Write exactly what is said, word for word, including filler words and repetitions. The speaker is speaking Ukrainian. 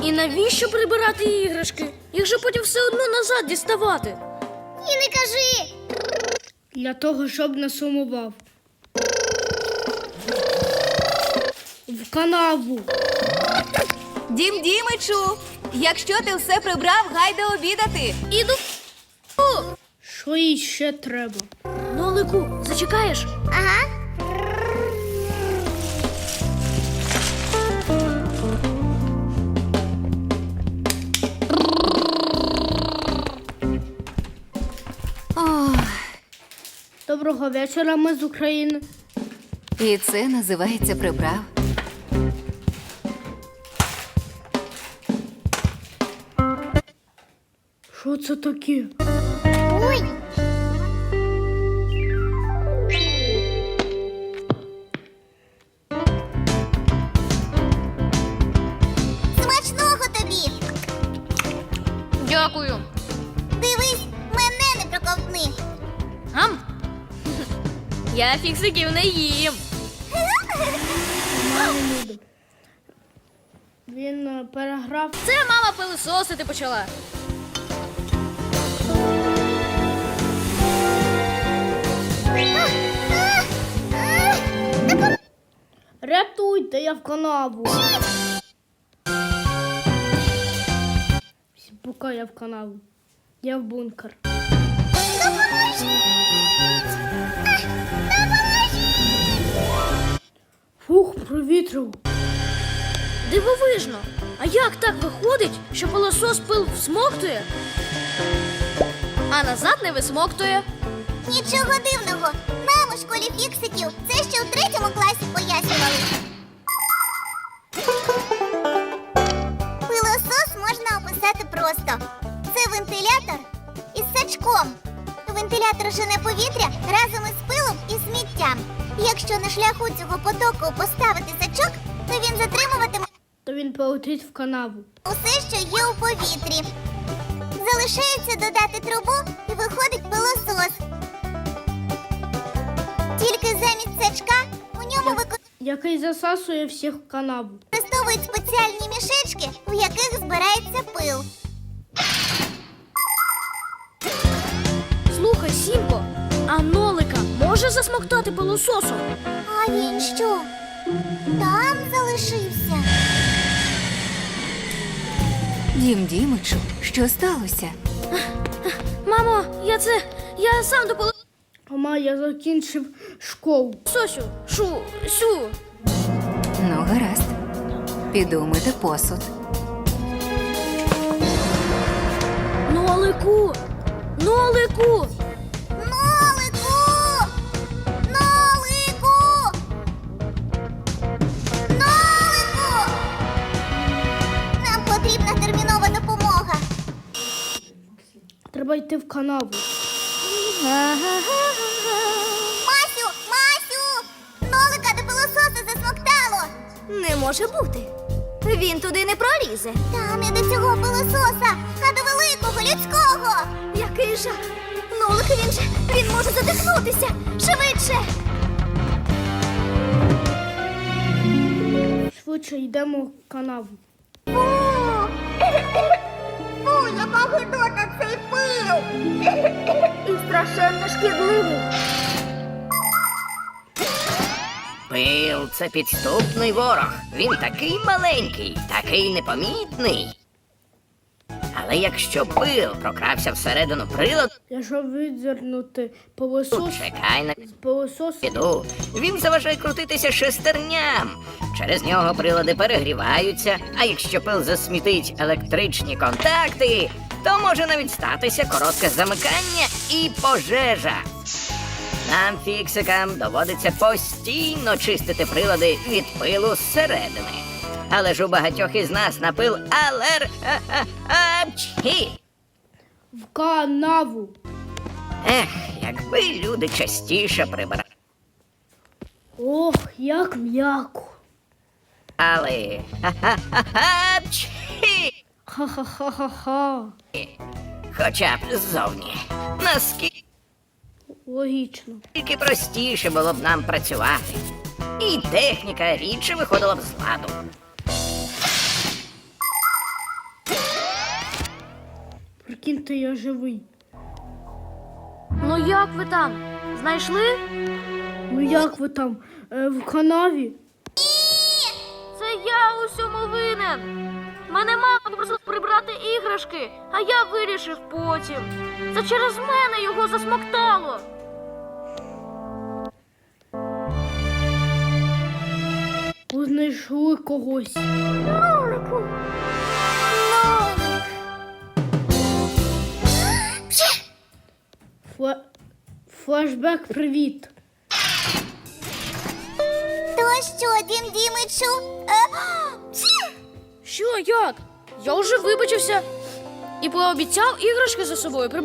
І навіщо прибирати іграшки? Їх же потім все одно назад діставати. І не кажи. Для того, щоб не сумував. В канаву. Дім Дімичу, якщо ти все прибрав, гайда обідати. Іду. Що їй ще треба? Нолику, зачекаєш? Ага. Ох, Доброго вечора, ми з України. і це називається прибрав. Що це таке? Ой. Смачного тобі. Дякую. Дивись, мене не проковтни. Гам? Я фіксиків не їм. Він е, переграв. Це мама пилисосити почала. Рятуйте, я в канаву. Поки я в канаву. Я в бункер. Фух, провітрив. Дивовижно. А як так виходить, що пилосос пил всмоктує, а назад не висмоктує? Нічого дивного. Нам у школі фіксиків це ще у третьому класі пояснювали. Пилосос можна описати просто. Це вентилятор із сачком. Вентилятор жене повітря разом із пилом і сміттям. Якщо на шляху цього потоку поставити сачок, то він затримуватиме То він полетить в канаву. усе, що є у повітрі. Залишається додати трубу і виходить пилосос. Тільки замість сачка у ньому Який засасує всіх в канаву. використовують спеціальні мішечки, в яких збирається пил. Слухай, Сімко, а нолика може засмоктати пилососом? А він що? Там залишився? Дім Дімичу, що сталося? Мамо, я це, я сам до пилососу. Мама, я закінчив школу. Сосю, шу, сю. Ну, гаразд. Піду мити посуд. Нолику, нолику. Нолику! Нолику! Нолику! Нам потрібна термінова допомога. Треба йти в канаву. Масю! Масю! Нолика до пилососа засмоктало. Не може бути. Він туди не пролізе. Та не до цього пилососа, а до великого людського. Який жах. Нолик, він же, він може задихнутися. Швидше. Швидше йдемо в канаву. Фу! Фу, яка гидота цей пил! І страшенно шкідливий. Пил – це підступний ворог. Він такий маленький, такий непомітний. Але якщо пил прокрався всередину приладу, Якщо відзирнути пилосос чекай на з пилососу, піду. Він заважає крутитися шестерням. Через нього прилади перегріваються, а якщо пил засмітить електричні контакти, то може навіть статися коротке замикання і пожежа. Нам, фіксикам, доводиться постійно чистити прилади від пилу зсередини. Але ж у багатьох із нас на пил алер... Апчхі! в канаву. Ех, якби люди частіше прибирали. Ох, як м'яко. Апчхі! Ха-ха-ха-ха-ха. Хоча б ззовні. Наскільки Логічно. простіше було б нам працювати. І техніка рідше виходила б з ладу. Прикиньте, я живий. Ну як ви там? Знайшли? Ну як ви там? Е, в канаві? Це я у всьому винен. Мене мама попросила прибрати іграшки, а я вирішив потім. Це через мене його засмоктало. Ви знайшли когось. Нолику. Нолик. Фле... Флешбек, привіт. То що, Дім Дімичу? Е, пші! Що, як? Я вже вибачився і пообіцяв іграшки за собою прибрати.